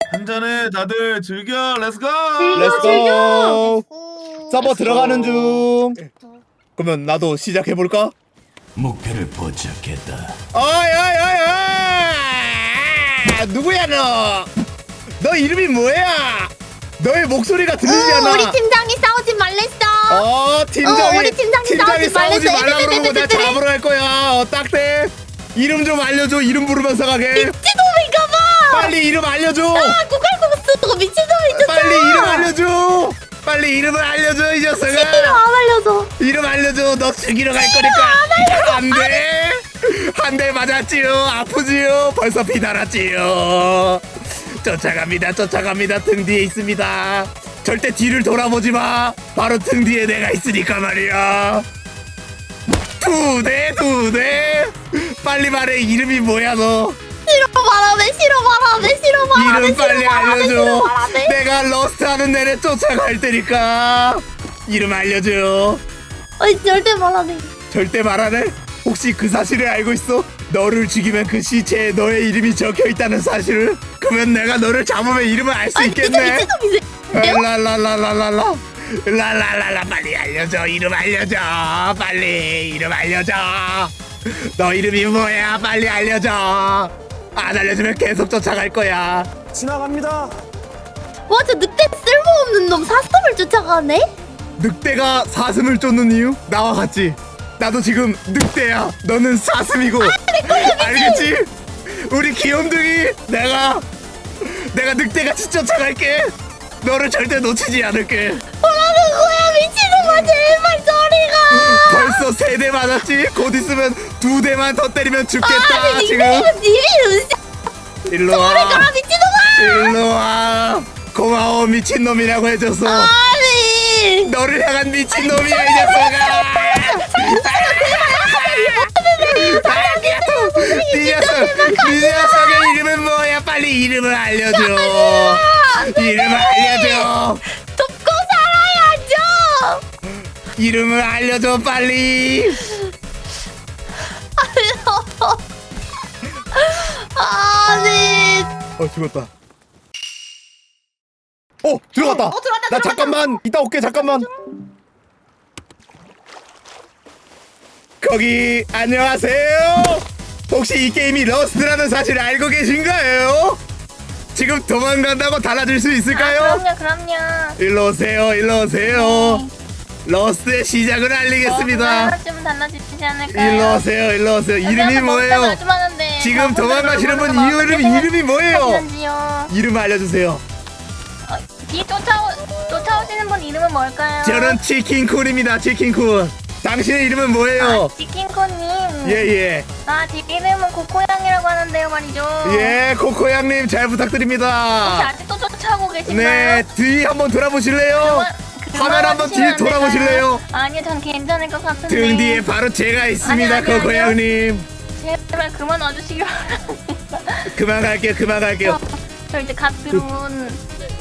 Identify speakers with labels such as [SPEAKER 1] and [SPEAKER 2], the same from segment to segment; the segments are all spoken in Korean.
[SPEAKER 1] 한잔해 다들 즐겨. 렛츠고.
[SPEAKER 2] 렛츠고. 서버 들어가는 중. 그러면 나도 시작해볼까?
[SPEAKER 3] 목표를 포착했다.
[SPEAKER 2] 어이 누구야 너? 너 이름이 뭐야? 너의 목소리가 들리잖아.
[SPEAKER 4] 우리 팀장이 싸우지 말랬어.
[SPEAKER 2] 팀장이
[SPEAKER 4] 우리 팀장이
[SPEAKER 2] 싸우지
[SPEAKER 4] 말랬어.
[SPEAKER 2] 말라고 그러고 내가 잡으러 갈 거야. 딱대. 이름 좀 알려줘. 이름 부르면서 가게.
[SPEAKER 4] 미친놈인가봐.
[SPEAKER 2] 빨리 이름 알려줘.
[SPEAKER 4] 구갈공수 미친놈이 있었어.
[SPEAKER 2] 빨리 이름 알려줘. 빨리 이름을 알려줘 이 녀석아.
[SPEAKER 4] 이름 안 알려줘.
[SPEAKER 2] 이름 알려줘. 너 죽이러 갈 거니까. 안돼. 한 대 맞았지요. 아프지요. 벌써 피 달았지요. 쫓아갑니다. 등 뒤에 있습니다. 절대 뒤를 돌아보지 마. 바로 등 뒤에 내가 있으니까 말이야. 두 대. 빨리 말해. 이름이 뭐야 너?
[SPEAKER 4] 싫어 말하네.
[SPEAKER 2] 이름 빨리 알려줘.
[SPEAKER 4] 말하네.
[SPEAKER 2] 내가 러스트 하는 내내 쫓아갈 테니까. 이름 알려줘.
[SPEAKER 4] 절대 말하네.
[SPEAKER 2] 절대 말 안 해? 혹시 그 사실을 알고 있어? 너를 죽이면 그 시체에 너의 이름이 적혀있다는 사실을? 그러면 내가 너를 잡으면 이름을 알 수 있겠네?
[SPEAKER 4] 미친놈이세요?
[SPEAKER 2] 라라라라라라 빨리 알려줘. 이름 알려줘. 빨리 이름 알려줘. 너 이름이 뭐야? 빨리 알려줘. 안 알려주면 계속 쫓아갈 거야.
[SPEAKER 5] 지나갑니다.
[SPEAKER 4] 와, 저 늑대 쓸모없는 놈 사슴을 쫓아가네?
[SPEAKER 2] 늑대가 사슴을 쫓는 이유? 나와 같지? 나도 지금 늑대야. 너는 사슴이고. 알겠지? 우리 귀염둥이. 내가 늑대같이 쫓아갈게. 너를 절대 놓치지 않을게.
[SPEAKER 4] 뭐라는 거야 미친놈아. 제발 저리가.
[SPEAKER 2] 벌써 3대 맞았지? 곧 있으면 2대만 더 때리면 죽겠다. 지금
[SPEAKER 4] 네 이름
[SPEAKER 2] 일로
[SPEAKER 4] 저리가
[SPEAKER 2] 와.
[SPEAKER 4] 미친놈아.
[SPEAKER 2] 일로 와. 고마워. 미친놈이라고 해줘서.
[SPEAKER 4] 아니
[SPEAKER 2] 너를 향한 미친놈이야 이 녀석아. 네 녀석의 이름은 뭐야? 빨리 이름을 알려줘. 이름을 알려줘.
[SPEAKER 4] 돕고 살아야죠.
[SPEAKER 2] 이름을 알려줘 빨리.
[SPEAKER 4] 아니
[SPEAKER 2] 죽었다. 들어갔다. 나 잠깐만 이따 올게. 잠깐만. 거기 안녕하세요. 혹시 이 게임이 러스트라는 사실을 알고 계신가요? 지금 도망간다고 달라질 수 있을까요?
[SPEAKER 4] 그럼요.
[SPEAKER 2] 일로 오세요. 러스트의 시작을 알리겠습니다.
[SPEAKER 4] 좀 달라지지 않을까요?
[SPEAKER 2] 일로 오세요. 이름이 뭐예요? 지금 도망가시는 분 이름이 뭐예요? 이름 알려주세요.
[SPEAKER 4] 뒤 쫓아오시는 분 이름은 뭘까요?
[SPEAKER 2] 저는 치킨쿤입니다. 치킨쿤. 당신의 이름은 뭐예요?
[SPEAKER 4] 치킨코님.
[SPEAKER 2] 예.
[SPEAKER 4] 제 이름은 코코양이라고 하는데요 말이죠.
[SPEAKER 2] 예, 코코양님 잘
[SPEAKER 4] 혹시
[SPEAKER 2] 부탁드립니다.
[SPEAKER 4] 아직도 쫓아오고 계신가요?
[SPEAKER 2] 네, 뒤 한번 돌아보실래요? 화면 한번 뒤 돌아보실래요?
[SPEAKER 4] 아니요, 전 괜찮을 것 같은데.
[SPEAKER 2] 등 뒤에 바로 제가 있습니다,
[SPEAKER 4] 아니요.
[SPEAKER 2] 코코양님.
[SPEAKER 4] 제발 그만 와주시기 바랍니다.
[SPEAKER 2] 그만 갈게요.
[SPEAKER 4] 저 이제 갓 들어온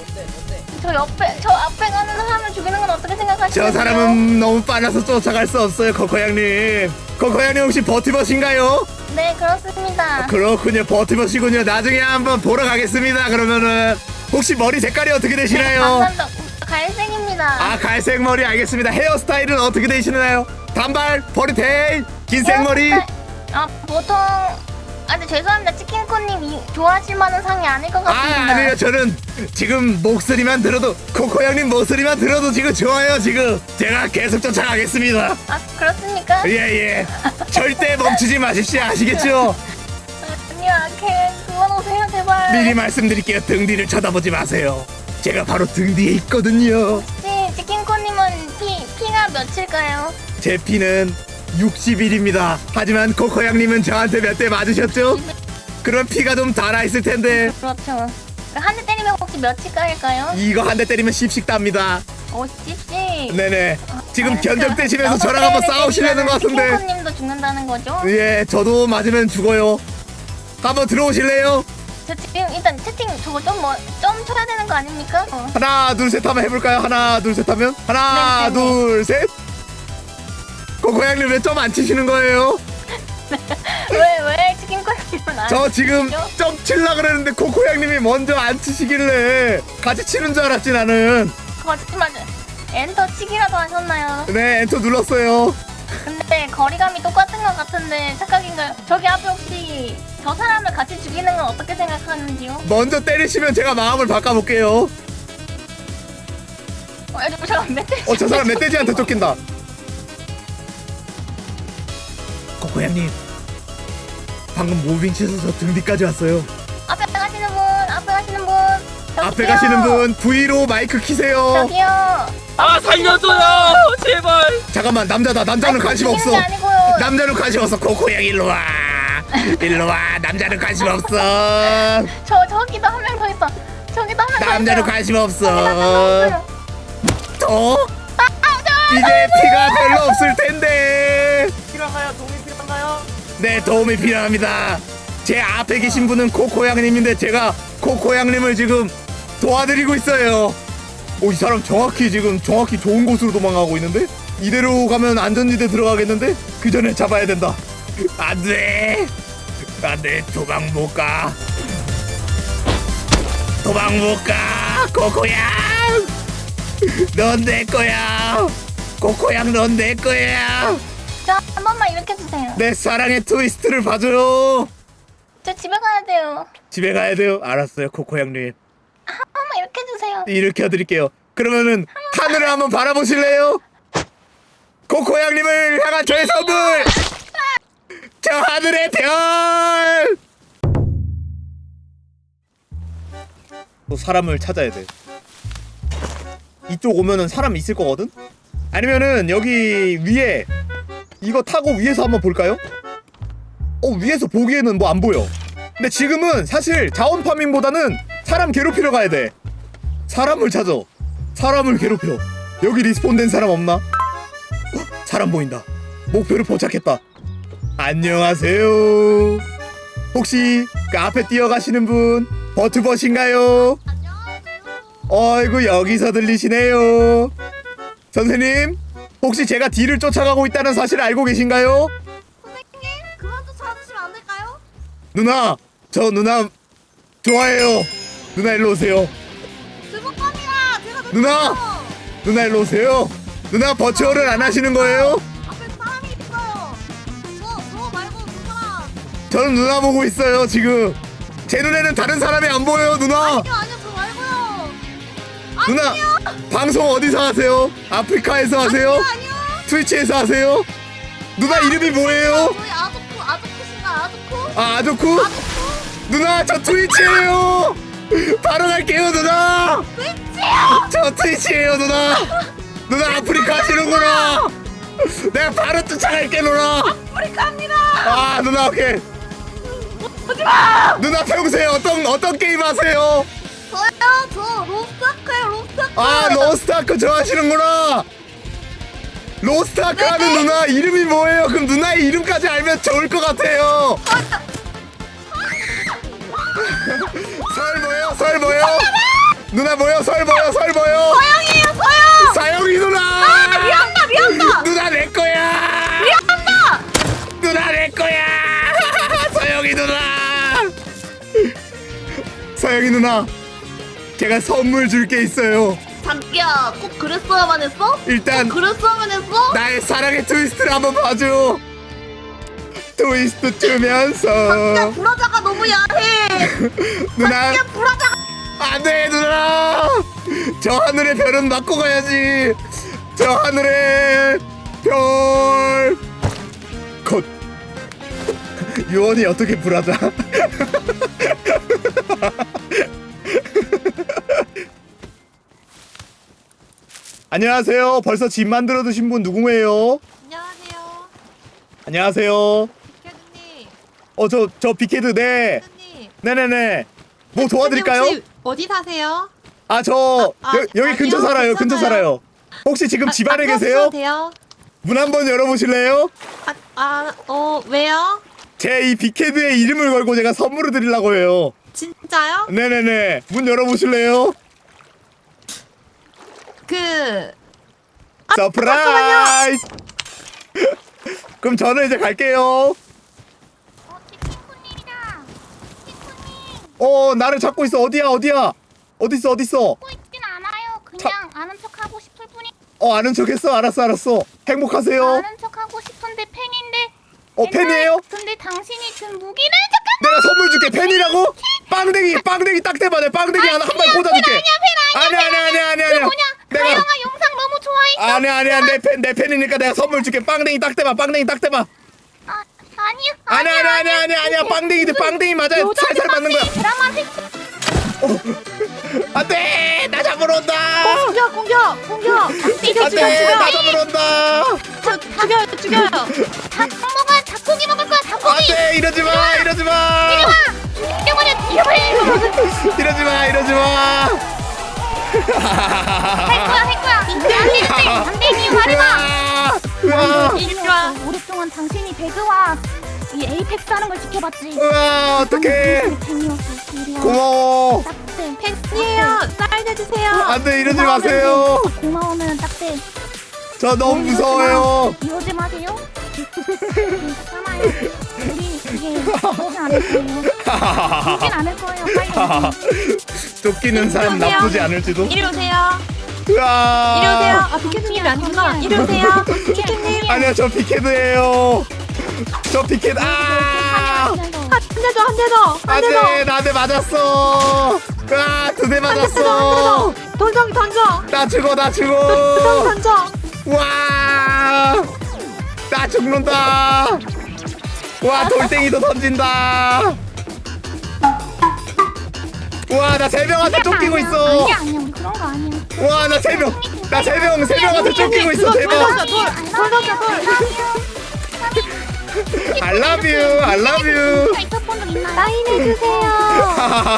[SPEAKER 4] 저 앞에 가는 사람을 죽이는 건 어떻게 생각하시나요?
[SPEAKER 2] 저 사람은 너무 빨라서 쫓아갈 수 없어요, 코코양님. 코코양님 혹시 버티버신가요?
[SPEAKER 4] 네, 그렇습니다.
[SPEAKER 2] 그렇군요, 버티버시군요. 나중에 한번 보러 가겠습니다. 그러면은 혹시 머리 색깔이 어떻게 되시나요?
[SPEAKER 4] 감사합니다. 갈색입니다.
[SPEAKER 2] 갈색 머리 알겠습니다. 헤어스타일은 어떻게 되시나요? 단발, 포니테일, 긴 생머리.
[SPEAKER 4] 보통 근데 죄송합니다. 치킨코님 좋아하실 만한 상이 아닐 것 같습니다.
[SPEAKER 2] 아니요. 저는 지금 목소리만 들어도 코코양님 목소리만 들어도 지금 좋아요. 지금 제가 계속 쫓아가겠습니다.
[SPEAKER 4] 그렇습니까?
[SPEAKER 2] 예. 절대 멈추지 마십시오. 아시겠죠?
[SPEAKER 4] 아니요, 그만오세요 제발.
[SPEAKER 2] 미리 말씀드릴게요. 등 뒤를 쳐다보지 마세요. 제가 바로 등 뒤에 있거든요.
[SPEAKER 4] 치킨코님은 피가 몇일까요?
[SPEAKER 2] 제 피는 60일입니다. 하지만 코코양님은 저한테 몇 대 맞으셨죠? 그럼 피가 좀 달아있을 텐데.
[SPEAKER 4] 그렇죠. 한 대 때리면 혹시 몇일까일까요?
[SPEAKER 2] 이거 한 대 때리면 10씩 답니다.
[SPEAKER 4] 50씩.
[SPEAKER 2] 네네. 지금 견적대시면서 저랑 한번 싸우시려는 것 같은데.
[SPEAKER 4] 치킨코님도 죽는다는 거죠?
[SPEAKER 2] 예, 저도 맞으면 죽어요. 한번 들어오실래요?
[SPEAKER 4] 저 지금 일단 채팅 저거 좀 쳐야 되는 거 아닙니까?
[SPEAKER 2] 하나 둘 셋 하면 해볼까요? 하나 둘 셋 하면? 하나
[SPEAKER 4] 네.
[SPEAKER 2] 둘 셋. 코코양님 왜 좀 안 치시는 거예요?
[SPEAKER 4] 왜 치킨 거리면 안
[SPEAKER 2] 저 지금
[SPEAKER 4] 치죠?
[SPEAKER 2] 점 칠라 그랬는데 코코 형님이 먼저 안 치시길래 같이 치는 줄 알았지 나는.
[SPEAKER 4] 거짓말. 엔터 치기라도 하셨나요?
[SPEAKER 2] 네 엔터 눌렀어요.
[SPEAKER 4] 근데 거리감이 똑같은 것 같은데 착각인가요? 저기 앞에 혹시 저 사람을 같이 죽이는 건 어떻게 생각하는지요?
[SPEAKER 2] 먼저 때리시면 제가 마음을 바꿔볼게요.
[SPEAKER 4] 잠깐 멧돼지.
[SPEAKER 2] 저 사람 멧돼지한테 쫓긴다. 코코 형님 방금 무빙 치셔서 저 등 뒤까지 왔어요.
[SPEAKER 4] 앞에 가시는 분, 앞에 가시는 분.
[SPEAKER 2] 앞에 가시는 분 V로 마이크 키세요.
[SPEAKER 4] 저기요.
[SPEAKER 5] 아 살려줘요 제발.
[SPEAKER 2] 잠깐만 남자다. 남자는 관심 없어.
[SPEAKER 4] 죽이는 게 아니고요.
[SPEAKER 2] 남자는 관심 없어. 코코 형 일로 와. 일로 와. 남자는 관심 없어.
[SPEAKER 4] 저기도 한 명 더 있어. 저기도 한 명 더 있어.
[SPEAKER 2] 남자는 관심 없어.
[SPEAKER 4] 저기도
[SPEAKER 2] 이제 피가 별로 없을 텐데.
[SPEAKER 5] 필요한가요? 도움이 필요한가요?
[SPEAKER 2] 네 도움이 필요합니다. 제 앞에 계신 분은 코코 양님인데 제가 코코 양님을 지금 도와드리고 있어요. 이 사람 정확히 좋은 곳으로 도망가고 있는데 이대로 가면 안전지대 들어가겠는데 그 전에 잡아야 된다. 안돼 도망 못가 코코양 넌 내 거야. 코코양 넌 내 거야.
[SPEAKER 4] 한 번만 이렇게 해주세요.
[SPEAKER 2] 내 사랑의 트위스트를 봐줘요.
[SPEAKER 4] 저 집에 가야 돼요.
[SPEAKER 2] 집에 가야 돼요. 알았어요 코코 형님.
[SPEAKER 4] 한 번만 이렇게 해주세요.
[SPEAKER 2] 일으켜드릴게요. 그러면은 하늘을 한번 바라보실래요? 코코 형님을 향한 저의 선물! 저 하늘의 별! 또 사람을 찾아야 돼. 이쪽 오면은 사람 있을 거거든? 아니면은 여기 위에 이거 타고 위에서 한번 볼까요? 위에서 보기에는 뭐 안 보여. 근데 지금은 사실 자원 파밍보다는 사람 괴롭히러 가야 돼. 사람을 찾아. 사람을 괴롭혀. 여기 리스폰된 사람 없나? 사람 보인다. 목표를 포착했다. 안녕하세요. 혹시 그 앞에 뛰어가시는 분 버트버신가요? 어이구 여기서 들리시네요. 선생님 혹시 제가 뒤를 쫓아가고 있다는 사실 알고 계신가요?
[SPEAKER 6] 선생님, 그만 좀 찾으시면 안 될까요?
[SPEAKER 2] 누나 저 누나 좋아해요. 누나 일로 오세요.
[SPEAKER 6] 주먹감이라 제가
[SPEAKER 2] 누나! 누나 일로 오세요. 누나 버추어를 안 하시는 거예요?
[SPEAKER 6] 앞에 사람이 있어요. 저 말고 그 사람.
[SPEAKER 2] 저는 누나 보고 있어요 지금. 제 눈에는 다른 사람이 안 보여요 누나.
[SPEAKER 6] 아니요, 저 말고요.
[SPEAKER 2] 누나 방송 어디서 하세요? 아프리카에서 하세요?
[SPEAKER 6] 아니요.
[SPEAKER 2] 트위치에서 하세요? 누나 이름이 뭐예요?
[SPEAKER 6] 저희 아조쿠신가 아조쿠?
[SPEAKER 2] 아조쿠? 누나 저 트위치예요. 바로 갈게요 누나. 트위치요? 저 트위치예요 누나. 누나 아프리카 하시는구나. 내가 바로 쫓아갈게 누나. 아프리카입니다. 누나 오케이. 오지마. 누나 평소에 어떤 게임 하세요?
[SPEAKER 6] 저요? 저 로스트아크예요, 로스트아크.
[SPEAKER 2] 로스트아크 좋아하시는구나. 로스트아크 하는 누나 이름이 뭐예요? 그럼 누나의 이름까지 알면 좋을 것 같아요. 설 뭐요? 누나 뭐요? 설 뭐요?
[SPEAKER 6] 서영이에요, 서영.
[SPEAKER 2] 사영이 누나.
[SPEAKER 6] 미안다.
[SPEAKER 2] 누나 내 거야. 누나 내 거야. 서영이 누나. 서영이 누나. 제가 선물 줄 게 있어요.
[SPEAKER 6] 자기야, 꼭 그랬어야만 했어?
[SPEAKER 2] 일단
[SPEAKER 6] 그랬어야만 했어?
[SPEAKER 2] 나의 사랑의 트위스트를 한번 봐줘. 트위스트 주면서
[SPEAKER 6] 자기야, 브라자가 너무 야해.
[SPEAKER 2] 누나
[SPEAKER 6] 자기야, 브라자가.
[SPEAKER 2] 안돼 누나. 저 하늘의 별은 맞고 가야지. 저 하늘의 별. 컷. 유언이 어떻게 불하자. 안녕하세요. 벌써 집 만들어 두신 분 누구예요?
[SPEAKER 6] 안녕하세요.
[SPEAKER 2] 안녕하세요.
[SPEAKER 6] 캐드님.
[SPEAKER 2] 저 빅헤드 네.
[SPEAKER 6] 캐드님.
[SPEAKER 2] 네네네. 뭐 도와드릴까요?
[SPEAKER 6] 혹시 어디 사세요?
[SPEAKER 2] 여기 근처
[SPEAKER 6] 아니요,
[SPEAKER 2] 살아요. 근처
[SPEAKER 6] 괜찮아요.
[SPEAKER 2] 살아요. 혹시 지금 집 안에 계세요?
[SPEAKER 6] 돼요?
[SPEAKER 2] 문 한번 열어보실래요?
[SPEAKER 6] 왜요?
[SPEAKER 2] 제 이 빅헤드의 이름을 걸고 제가 선물을 드리려고 해요.
[SPEAKER 6] 진짜요?
[SPEAKER 2] 네네네. 문 열어보실래요? 서프라이즈! 그럼 저는 이제 갈게요.
[SPEAKER 4] 티티쿠님
[SPEAKER 2] 나를 잡고 있어. 어디야? 어딨어?
[SPEAKER 4] 하고 있진 않아요. 그냥 아는 척하고 싶을 뿐이.
[SPEAKER 2] 아는 척했어. 알았어. 행복하세요.
[SPEAKER 4] 아는 척하고 싶은데 팬인데.
[SPEAKER 2] 팬이에요?
[SPEAKER 4] 근데 당신이 든 무기는 잠깐.
[SPEAKER 2] 내가 선물 줄게. 팬이라고? 빵댕이 딱 대봐. 내 빵댕이 하나 한 발 꽂아줄게. 아니야.
[SPEAKER 4] 뭐냐?
[SPEAKER 2] 내가
[SPEAKER 4] 가영아 영상 너무 좋아했어.
[SPEAKER 2] 아니야. 내 팬이니까 내가 선물 줄게. 빵댕이 딱 대봐. 아니야. 빵댕이 맞아. 살살 맞는 거야.
[SPEAKER 4] 드라마 생.
[SPEAKER 2] 안돼. 나 잡으러 온다.
[SPEAKER 6] 공격.
[SPEAKER 2] 안돼. 나 잡으러 온다.
[SPEAKER 6] 죽여요.
[SPEAKER 4] 닭고기 먹을 거야. 닭고기.
[SPEAKER 2] 안돼. 이러지 마.
[SPEAKER 4] 죽여버려.
[SPEAKER 2] 이러지 마.
[SPEAKER 4] 할 거야. 안 돼. 니 말해봐.
[SPEAKER 2] 우와.
[SPEAKER 4] 오랫동안 당신이 배그와 이 에이펙스 하는 걸 지켜봤지.
[SPEAKER 2] 우와. 어떡해.
[SPEAKER 4] 팬이었어. 이리와.
[SPEAKER 2] 고마워.
[SPEAKER 4] 딱대.
[SPEAKER 6] 팬이에요. 사인해주세요.
[SPEAKER 2] 안돼. 이러지 마세요.
[SPEAKER 4] 고마우면 딱대.
[SPEAKER 2] 저 너무 무서워요.
[SPEAKER 4] 이러지 마세요. 참아요. 우리 이게 그러지 않을 거예요. 그러진 않을 거예요. 빨리.
[SPEAKER 2] 쫓기는 사람 나쁘지 않을지도.
[SPEAKER 6] 이리 오세요.
[SPEAKER 2] 우와.
[SPEAKER 6] 비켓님이 아니구나. 이리 오세요. 비켓님.
[SPEAKER 2] 아니야, 저 피켓이에요. 저 피켓.
[SPEAKER 6] 한 대 더.
[SPEAKER 2] 안돼. 나한테 맞았어. 두 대 맞았어.
[SPEAKER 6] 던져.
[SPEAKER 2] 나 죽어.
[SPEAKER 6] 던져.
[SPEAKER 2] 와. 나 죽는다. 와, 돌덩이도 던진다. 와, 나 3명한테 쫓기고 있어.
[SPEAKER 4] 아니야. 우리 그런 거 아니야.
[SPEAKER 2] 와, 나 3명한테 쫓기고 있어. 대박. I love you.
[SPEAKER 4] 있었던 적 있나요?
[SPEAKER 6] 사인해주세요.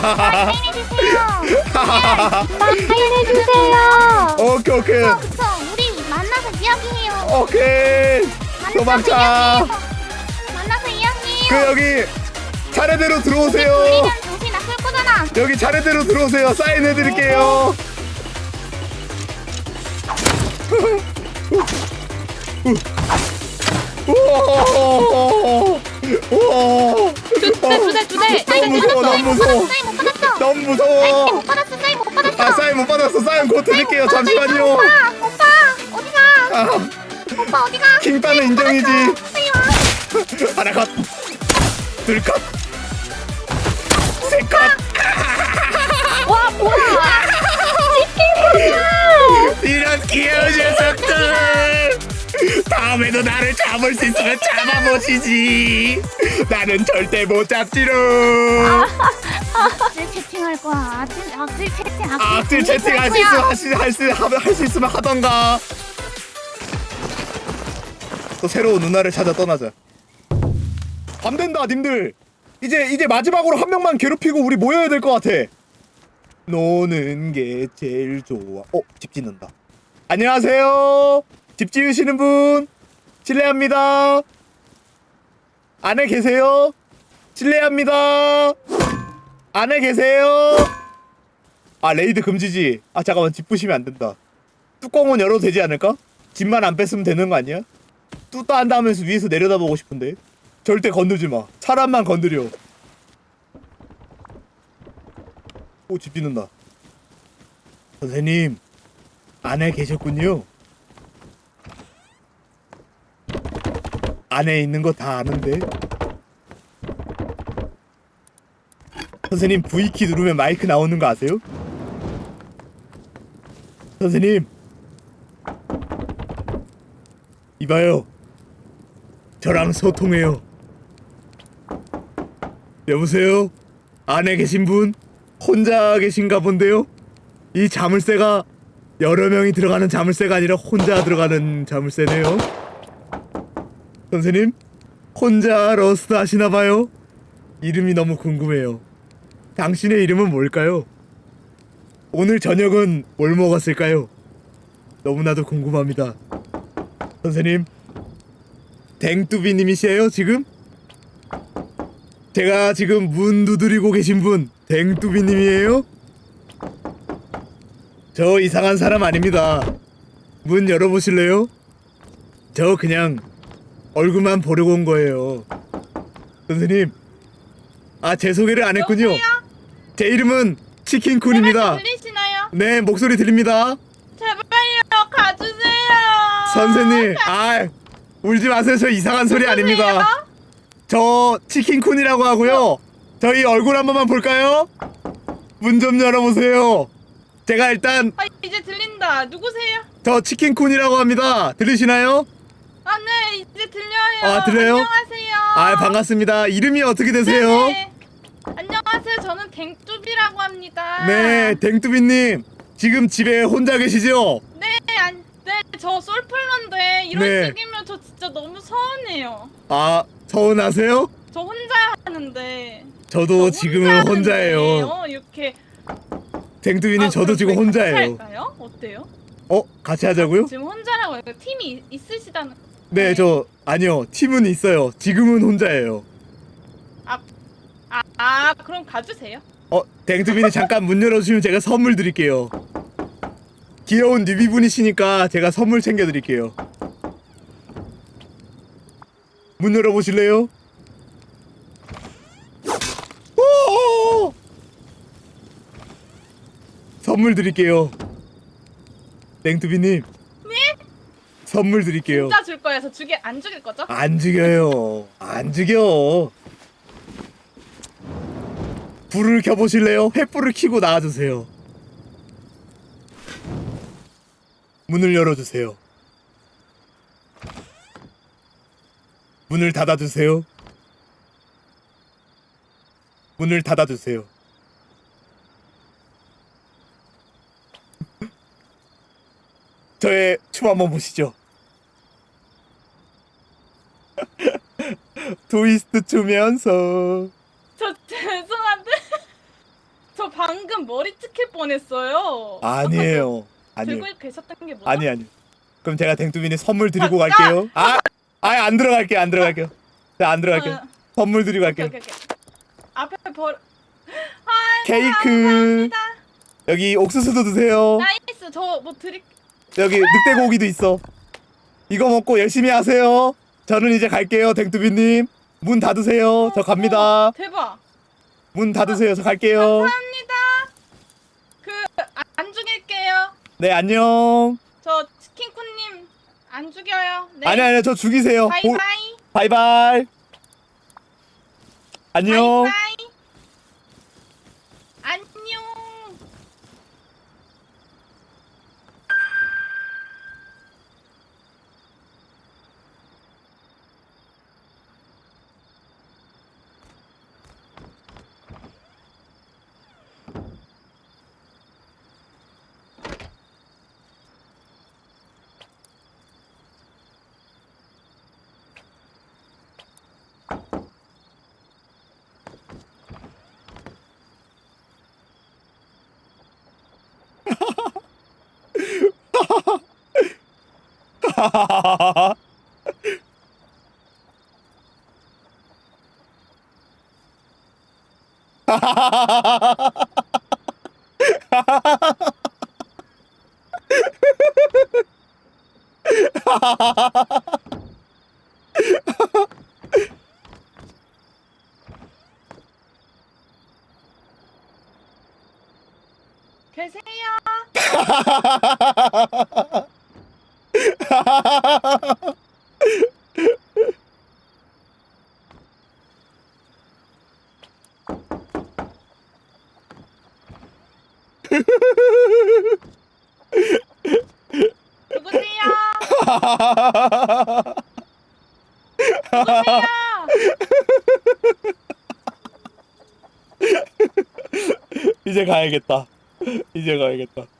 [SPEAKER 2] 오케이.
[SPEAKER 4] 그쵸. 우리 만나서 이야기해요.
[SPEAKER 2] 오케이. 도망쳐.
[SPEAKER 4] 만나서 이야기해요.
[SPEAKER 2] 그 여기 차례대로 들어오세요.
[SPEAKER 4] 우리는 정신 나쁠 거잖아.
[SPEAKER 2] 여기 차례대로 들어오세요. 사인해드릴게요. 너무 무서워.
[SPEAKER 4] 사인 못 받았어.
[SPEAKER 2] 너무 무서워.
[SPEAKER 4] 못 받았어. 사인 못 받았어.
[SPEAKER 2] 사인 못 받았어. 사인 곧 드릴게요. 잠시만요.
[SPEAKER 4] 오빠 어디가? 오빠 어디가?
[SPEAKER 2] 킹빠는 인정이지.
[SPEAKER 4] 빨리 와.
[SPEAKER 2] 하나 컷. 둘 컷. 세 컷.
[SPEAKER 6] 와 뭐야?
[SPEAKER 2] 이런 귀여운 녀석들. 다음에도 나를 잡을 수 있으면 잡아보시지. 나는 절대 못 잡지롱.
[SPEAKER 4] 악질 채팅할 거야.
[SPEAKER 2] 악질 채팅 할 수 있으면 하던가. 또 새로운 누나를 찾아 떠나자. 밤 된다, 님들. 이제 마지막으로 한 명만 괴롭히고 우리 모여야 될 것 같아. 노는 게 제일 좋아. 집 짓는다. 안녕하세요. 집 지으시는 분 실례합니다. 안에 계세요? 실례합니다. 안에 계세요? 레이드 금지지. 잠깐만, 집 부시면 안 된다. 뚜껑은 열어도 되지 않을까? 집만 안 뺐으면 되는 거 아니야? 뚜따 한다 하면서 위에서 내려다보고 싶은데. 절대 건들지 마. 사람만 건드려. 집 짓는다. 선생님, 안에 계셨군요. 안에 있는 거 다 아는데. 선생님, V키 누르면 마이크 나오는 거 아세요? 선생님, 이봐요. 저랑 소통해요. 여보세요? 안에 계신 분? 혼자 계신가 본데요? 이 자물쇠가 여러 명이 들어가는 자물쇠가 아니라 혼자 들어가는 자물쇠네요. 선생님? 혼자 러스트 하시나봐요? 이름이 너무 궁금해요. 당신의 이름은 뭘까요? 오늘 저녁은 뭘 먹었을까요? 너무나도 궁금합니다. 선생님, 댕뚜비님이시에요 지금? 제가 지금 문 두드리고 계신 분 댕뚜비님이에요? 저 이상한 사람 아닙니다. 문 열어보실래요? 저 그냥 얼굴만 보려고 온 거예요. 선생님, 제 소개를 안 했군요. 제 이름은 치킨쿤입니다.
[SPEAKER 4] 들리시나요?
[SPEAKER 2] 네, 목소리 들립니다.
[SPEAKER 4] 제발요, 가주세요.
[SPEAKER 2] 선생님, 울지 마세요. 저 이상한 소리 아닙니다. 저 치킨쿤이라고 하고요. 저희 얼굴 한 번만 볼까요? 문 좀 열어보세요. 제가 일단
[SPEAKER 4] 아, 이제 들린다. 누구세요?
[SPEAKER 2] 저 치킨쿤이라고 합니다. 들리시나요?
[SPEAKER 4] 아, 네, 이제 들려요.
[SPEAKER 2] 아, 들려요?
[SPEAKER 4] 안녕하세요.
[SPEAKER 2] 반갑습니다. 이름이 어떻게 되세요?
[SPEAKER 4] 네. 안녕하세요. 저는 댕뚜비라고 합니다.
[SPEAKER 2] 네, 댕뚜비님. 지금 집에 혼자 계시죠?
[SPEAKER 4] 네, 네, 저 솔플러인데 이런
[SPEAKER 2] 네.
[SPEAKER 4] 식이면 저 진짜 너무 서운해요.
[SPEAKER 2] 서운하세요?
[SPEAKER 4] 저 혼자 하는데.
[SPEAKER 2] 저도 지금은 혼자예요.
[SPEAKER 4] 이렇게.
[SPEAKER 2] 댕뚜비님, 저도
[SPEAKER 4] 그럼
[SPEAKER 2] 지금
[SPEAKER 4] 저희
[SPEAKER 2] 혼자예요.
[SPEAKER 4] 같이 할까요? 어때요?
[SPEAKER 2] 같이 하자고요?
[SPEAKER 4] 지금 혼자라고 해요. 팀이 있으시다는.
[SPEAKER 2] 네, 아니요. 팀은 있어요. 지금은 혼자예요.
[SPEAKER 4] 그럼 가주세요.
[SPEAKER 2] 댕뚜비님 잠깐 문 열어주시면 제가 선물 드릴게요. 귀여운 뉴비분이시니까 제가 선물 챙겨드릴게요. 문 열어보실래요? 오! 선물 드릴게요. 댕뚜비님.
[SPEAKER 4] 네?
[SPEAKER 2] 선물 드릴게요.
[SPEAKER 4] 진짜 줄 거예요. 저 안 죽일 거죠?
[SPEAKER 2] 안 죽여요. 안 죽여. 불을 켜보실래요? 횃불을 켜고 나와주세요. 문을 열어주세요. 문을 닫아주세요. 문을 닫아주세요. 저의 춤 한번 보시죠. 트위스트 추면서.
[SPEAKER 4] 저 죄송한데 저 방금 머리 찍힐 뻔했어요.
[SPEAKER 2] 아니에요. 아니에요.
[SPEAKER 4] 들고 계셨던 게 뭐죠?
[SPEAKER 2] 아니. 그럼 제가 댕뚜비님 선물 드리고 갈게요. 안 들어갈게요. 안 들어갈게요. 안 들어갈게요. 선물 드리고 갈게요.
[SPEAKER 4] 오케이. 앞에
[SPEAKER 2] 케이크.
[SPEAKER 4] 감사합니다.
[SPEAKER 2] 여기 옥수수도 드세요.
[SPEAKER 4] 나이스. 저 뭐 드릴.
[SPEAKER 2] 여기 늑대고기도 있어. 이거 먹고 열심히 하세요. 저는 이제 갈게요. 댕뚜비님. 문 닫으세요. 저 갑니다.
[SPEAKER 4] 대박.
[SPEAKER 2] 문 닫으세요. 저 갈게요.
[SPEAKER 4] 감사합니다. 안 죽일게요.
[SPEAKER 2] 네, 안녕.
[SPEAKER 4] 저 치킨쿤님 안 죽여요. 네.
[SPEAKER 2] 아니요. 저 죽이세요.
[SPEAKER 4] 바이바이.
[SPEAKER 2] 바이바이. 안녕.
[SPEAKER 4] 바이바이. 안녕. 계세요. 누구세요? 누구세요?
[SPEAKER 2] 이제 가야겠다. 이제 가야겠다.